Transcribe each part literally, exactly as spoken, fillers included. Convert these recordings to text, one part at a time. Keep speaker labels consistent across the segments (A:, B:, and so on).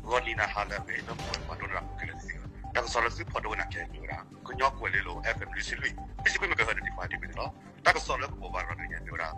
A: 我你那哈了呗，那不管多少个了是，但是说了是跑多那件有啦，可鸟过来了 ，F M 六十六，必须归没个好的地方对不对咯？但是说了不玩了那件有啦。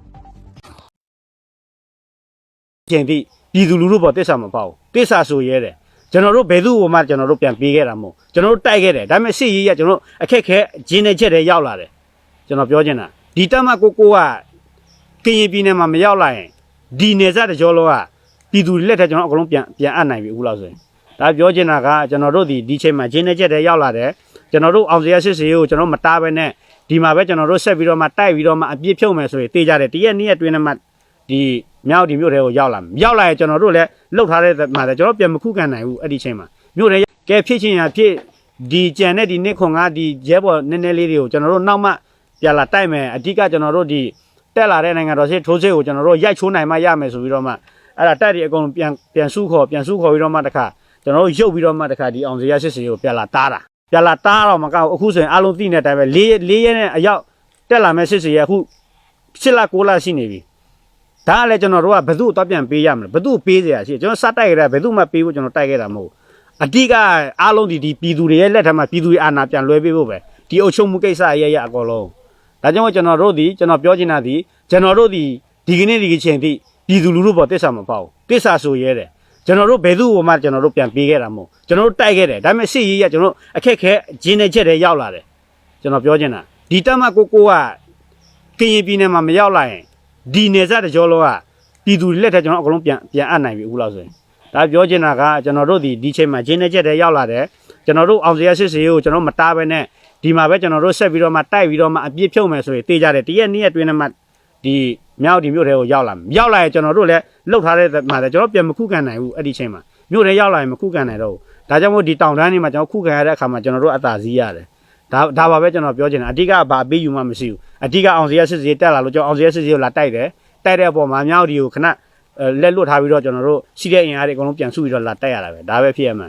B: 现地ပြည်သူလူထုပေါ်တစ္ဆာမပေါ့တစ္ဆာဆိုရဲတယ်ကျွန်တော်တို့ဘယ်သူ့ဟိုမှကျွန်တော်တို့ပြန်ပေးခဲ့တာမဟုတ်ကျွန်တော်တို့တိုက်ခဲ့တယ်ဒါပေမဲ့စစ်ရေးရကျွန်တော်တို့အခက်ခဲဂျင်းနေချက်တွေရောက်လာတယ်ကျွန်တော်ပြောချင်တာဒီတက်မကိုကိုကကရင်ပြည်နယ်မှာမရောက်လာရင်ဒီနေစားတကြောလုံးကပြည်သူလက်ထက်ကျွန်တော်အကုန်လုံးပြန်ပြန်အပ်နိုင်ပြီအခုလောက်ဆိုရင်ဒါပြောချင်တာကကျွန်တော်တို့ဒီဒီချိန်မှာဂျင်းနေချက်တွေရောက်လာတယ်ကျွန်တော်တို့အောင်စရာစစ်စေးကိုကျွန်တော်မတားဘဲနဲ့ဒီမှာပဲကျွန်တော်တို့ဆက်ပြီးတော့မှတိုက်ပြီးတော့မှအပြစ်ဖြုတ်မယ်ဆိုရင်တေးကြတယ်တရက်နေ့ရက်တွင်းနဲ့မှဒီမြောက်ဒီမြို့တွေကိုရောက်လာရောက်လာရင်ကျွန်တော်တို့လည်းလှုပ်ထားတဲ့မှာကျွန်တော်ပြန်မခုခံနိုင်ဘူးအဲ့ဒီချိန်မှာမြို့တွေကဲဖြစ်ချင်းရဖြစ်ဒီကြံတဲ့ဒီနှစ်ခွန်ကဒီရဲဘော်နည်းနည်းလေးတွေကိုကျွန်တော်တို့နောက်မှပြန်လာတိုက်မယ်အဓိကကျွန်တော်တို့ဒီတက်လာတဲ့နိုင်ငံတော်စစ်ထိုးစစ်ကိုကျွန်တော်တို့ရိုက်ချိုးနိုင်မှရမယ်ဆိုပြီးတော့မှအဲ့ဒါတိုက်တွေအကုန်ပြန်ပြန်စုခေါ်ပြန်စုခေါ်ပြီးတော့မှတခါကျွန်တော်တို့ရုပ်ပြီးတော့မှတခါဒီအောင်စရစစ်စီကိုပြန်လာတားတာပြန်လာတားတော့မကောက်အခုဆိုရင်အလုံးသိနေတဲ့အတိုင်းပဲလေးလေးရဲနဲ့အရောက်တက်လာမဲ့စစ်စီရအခုရှစ်လကိုလရှိနေပြီဒါကလည်းကျွန်တော်တို့ကဘယ်သူ့တော့ပြန်ပေးရမလဲဘယ်သူ့ပေးเสียရှိကျွန်တော်စတိုက်ကြတာဘယ်သူ့မှပေးဖို့ကျွန်တော်တိုက်ခဲ့တာမဟုတ်အဓိကအားလုံးဒီဒီပြည်သူတွေရဲ့လက်ထက်မှာပြည်သူတွေအာဏာပြန်လွှဲပေးဖို့ပဲဒီအုပ်ချုပ်မှုကိစ္စရရအကောလုံးဒါကြောင့်ကျွန်တော်တို့ဒီကျွန်တော်ပြောချင်တာဒီကျွန်တော်တို့ဒီဒီကနေ့ဒီချိန်ထိပြည်သူလူထုပေါ်တစ္ဆာမပေါ့တစ္ဆာဆိုရဲတယ်ကျွန်တော်တို့ဘယ်သူ့ဟိုမှကျွန်တော်တို့ပြန်ပေးခဲ့တာမဟုတ်ကျွန်တော်တို့တိုက်ခဲ့တယ်ဒါပေမဲ့စစ်ရေးရကျွန်တော်အခက်ခဲဂျင်းနေချက်တွေရောက်လာတယ်ကျွန်တော်ပြောချင်တာဒီတက်မကိုကိုကကရင်ပြည်နယ်မှာမရောက်လာရင်ဒီနေစားတကြောလုံးကပြည်သူလက်ထက်ကျွန်တော်အကုန်လုံးပြန်ပြန်အပ်နိုင်ပြီအခုလောက်ဆိုရင်ဒါပြောချင်တာကကျွန်တော်တို့ဒီဒီချိန်မှာဂျင်းနေချက်တွေရောက်လာတယ်ကျွန်တော်တို့အောင်စရာစစ်စေးကိုကျွန်တော်မတားဘဲနဲ့ဒီမှာပဲကျွန်တော်တို့ဆက်ပြီးတော့မှတိုက်ပြီးတော့မှအပြစ်ဖြုတ်မယ်ဆိုရင်တေးကြတယ်တရက်နေ့ရက်တွင်းနဲ့မှဒီမြောက်ဒီမြို့တွေကိုရောက်လာရောက်လာရင်ကျွန်တော်တို့လည်းလှုပ်ထားတဲ့မှာကျွန်တော်ပြန်မခုခံနိုင်ဘူးအဲ့ဒီချိန်မှာမြို့တွေရောက်လာရင်မခုခံနိုင်တော့ဘူးဒါကြောင့်မို့ဒီတောင်တန်းတွေမှာကျွန်တော်ခုခံရတဲ့အခါမှာကျွန်တော်တို့အသာစီးရတယ်ဒါဒါပါပဲကျွန်တော်ပြောချင်တာအဓိကဘာအပေးယူမှမရှိဘူးအဓိကအောင်စရာစစ်စေးတက်လာလို့ကျွန်တော်အောင်စရာစစ်စေးကိုလာတိုက်တယ်တိုက်တဲ့အပေါ်မှာမြောက်ဒီကိုခဏလက်လွတ်ထားပြီးတော့ကျွန်တော်တို့ရှိတဲ့အင်အားတွေအကုန်လုံးပြန်စုပြီးတော့လာတိုက်ရတာပဲဒါပဲဖြစ်ရမှာ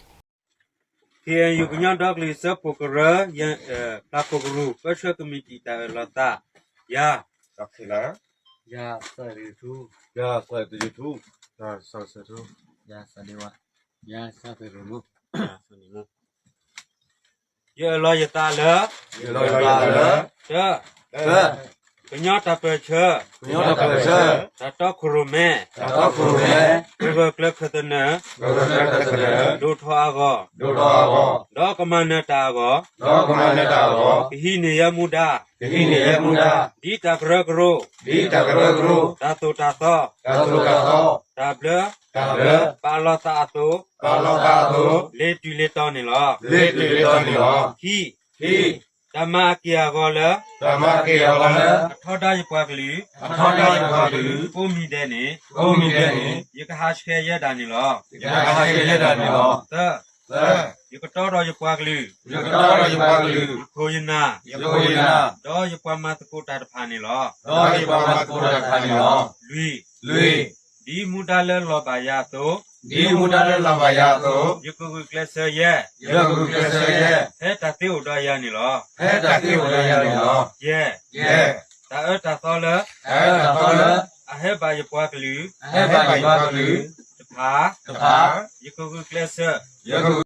C: K N U ကညဒေါကလီစပိုကရယန်ပလာပိုဂရုပရှကမီတီတာလတာယာတခလာယာဆရီတူယာဆရီတူယာဆဆတူယာဆနေဝယာဆဖေရမယာဆနေမယေလောယတာလယေလောယတာလချာကညတာပချာကညတာပချာတတခရုမဲတတခရုမဲဘဘကလခတနဘဘကလခတနဒုထွားကောဒုထွားကောဒေါကမနတာကောဒေါကမနတာကောဟိနေယမုဒာဟိနေယမုဒာဒီတကရကရုဒီတကရကရုတတုတသောတတုတသောတဘလတဘလပါလတာတောပါလတာတောလေတူလေတောနေလောလေတူလေတောနေလောဟိဟိဓမ္မကေယကောလဓမ္မကေယကောလအထောတယပွားကလေးအထောတယပွားကလေးကိုမိတဲ့နေကိုမိတဲ့နေယကဟာရှေရတာနေလောယကဟာရှေရတာနေလောသသယကတော်တော်ယပွားကလေးယကတော်တော်ယပွားကလေးကိုယနာယကိုယနာတော့ယပွားမတကိုတာတဖာနေလောတော့ယပွားမတကိုတာတဖာနေလောလွီလွီဒီမူတလဲလောပါယတောဒီမူတလဲလောပါယတောယကုကုကလဆယေယကုကုကလဆယေဟဲ့တတိဥဒယနေလောဟဲ့တတိဥဒယနေလောယေယေတာအတာသောလအဲတာသောလအဟဲဘာယပွားကလူအဟဲဘာယပွားကလူတဖာတဖာယကုကုကလဆယကု